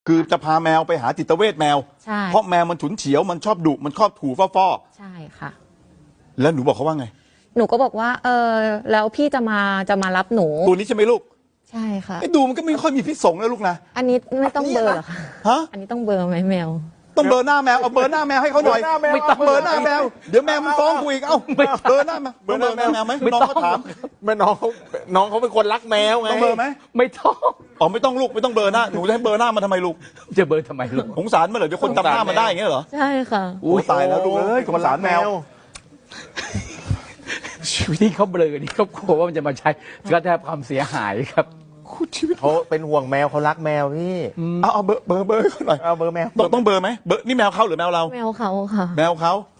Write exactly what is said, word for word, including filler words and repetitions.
คือจะพาแมวไปหาจิตเวชแมวใช่เพราะแมวมันฉุนเฉียวมันชอบดุมันชอบถูฟ้อฟอใช่ค่ะๆแล้วหนูบอกเขาว่าไงหนูก็บอกว่า เออแล้วพี่จะมาจะมารับหนูตัวนี้ใช่ไหมลูกใช่ค่ะไอ้ดูมันก็ไม่ค่อยมีพิษสงนะลูกนะอันนี้ไม่ต้องเบลอร์หรอคะฮะอันนี้ต้องเบลอร์ไหมแมวต้องเบอร์หน้าแมวเอาเบอร์หน้าแมวให้เขาหน่อยไม่ต้องเบอร์หน้าแมวเดี๋ยวแมวมันฟ้องกูอีกเอ้าเบอร์หน้าแมวเบอร์หน้าแมวไหมน้องเขาถามแม่น้องเขาน้องเขาเป็นคนรักแมวไงต้องเบอร์ไหมไม่ต้องอ๋อไม่ต้องลูกไม่ต้องเบอร์หน้าหนูจะให้เบอร์หน้ามาทำไมลูกจะเบอร์ทำไมลูกสงสารมันเหรอเดี๋ยวคนจำหน้ามันได้อย่างเงี้ยเหรอใช่ค่ะโอ้ตายแล้วลูกเอ้ยสงสารแมวชีวิตที่เขาเบลอนี่เขากลัวว่ามันจะมาใช้ก็ได้รับความเสียหายครับชีวิตเขาเป็นห่วงแมวเขารักแมวพี่เอาเอาเบอร์เบอร์เบอร์ให้เขาหน่อยเอาเบอร์แมวต้องต้องเบอร์ไหมเบอร์นี่แมวเขาหรือแมวเราแมวเขาค่ะแมวเขา